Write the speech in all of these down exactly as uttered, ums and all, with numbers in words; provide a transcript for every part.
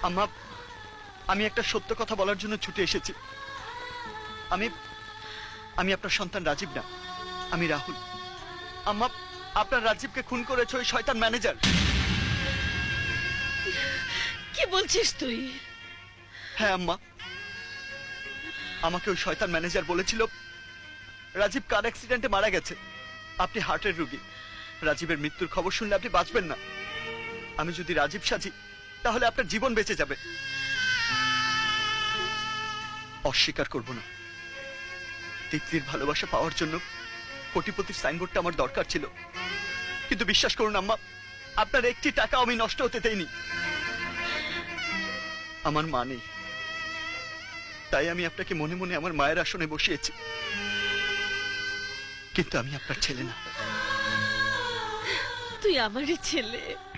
আম্মা, আমি একটা সত্য কথা বলার জন্য ছুটে এসেছি। আমি আমি আপনার সন্তান রাজীব না, আমি রাহুল। আম্মা, আপনার রাজীবকে খুন করেছে ওই শয়তান ম্যানেজার। কি বলছিস তুই? হ্যাঁ আম্মা, আমাকে ওই শয়তান ম্যানেজার বলেছিল রাজীব কার অ্যাক্সিডেন্টে মারা গেছে। আপনি হার্টের রোগী, রাজীবের মৃত্যুর খবর শুনলে আপনি বাঁচবেন না। আমি যদি রাজীব সাজি তাহলে আপনার জীবন বেঁচে যাবে। অস্বীকার করব না, তিতলির ভালোবাসা পাওয়ার জন্য কোটিপতির সাইনবোর্ডটা আমার দরকার ছিল, কিন্তু বিশ্বাস করুন আম্মা, আপনার একটি টাকা আমি নষ্ট হতে দেইনি। আমার মা নেই, তাই আমি আপনাকে মনে মনে আমার মায়ের আসনে বসিয়েছি, কিন্তু আমি আপনার ছেলে না। তুই আমারই ছেলে।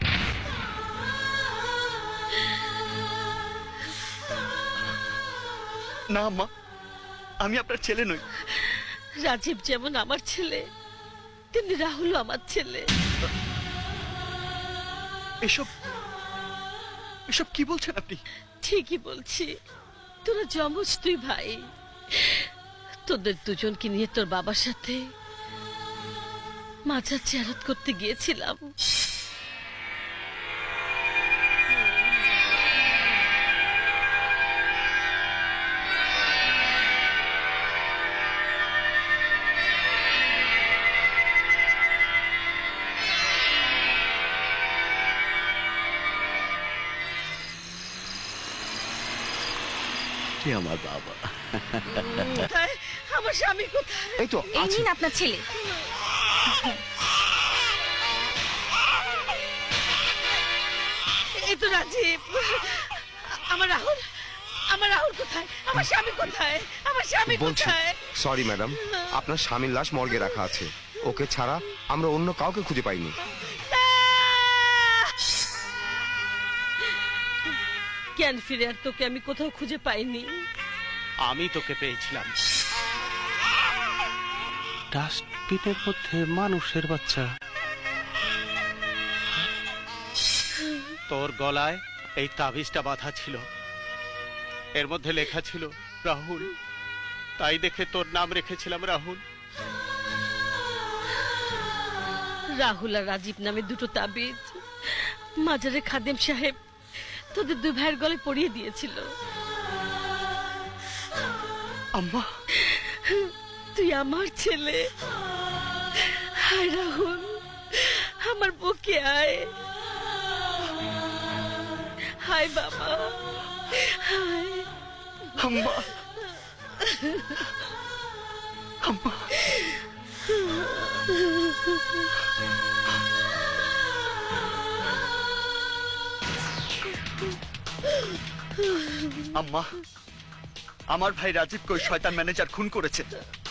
না আম্মা, আমি আপনার ছেলে নই। রাজীব যেমন আমার ছেলে, তেমনি রাহুলও আমার ছেলে। এসব এসব কি বলছেন আপনি? ঠিকই বলছি, তোরা যমজ তুই ভাই। তোদের দুজনকে নিয়ে তোর বাবার সাথে মাজার জিয়ারত করতে গিয়েছিলাম। আমার বাবা, কোথায় আমার স্বামী? কোথায়? এই তো এই নিন আপনার ছেলে। এই তো রাজীব। আমার রাহুল, আমার রাহুল কোথায়? আমার স্বামী কোথায়? আমার স্বামী বলছি কোথায়? সরি ম্যাডাম, আপনার স্বামীর লাশ মর্গে রাখা আছে। ওকে ছাড়া আমরা অন্য কাউকে খুঁজে পাইনি। জ্ঞান ফিরে আর তোকে আমি কোথাও খুঁজে পাইনি। আমি তোকে পেয়েছিলাম ডাস্টবিনের মধ্যে, মানুষের বাচ্চা। তোর গলায় এই তাবিজটা বাঁধা ছিল, এর মধ্যে লেখা ছিল রাহুল, তাই দেখে তোর নাম রেখেছিলাম রাহুল। রাহুল আর রাজীব নামে দুটো তাবিজ মাজারে খাদেম সাহেব তোদের দুই ভাইয়ের গলে পরিয়ে দিয়েছিল। আম্মা, তুই আমার ছেলে। হায় রাহুল, আমার বুকে আয়। হায় বাবা, হায়। আম্মা, আম্মা, আম্মা, আমার ভাই রাজীবকে ওই শয়তান ম্যানেজার খুন করেছে।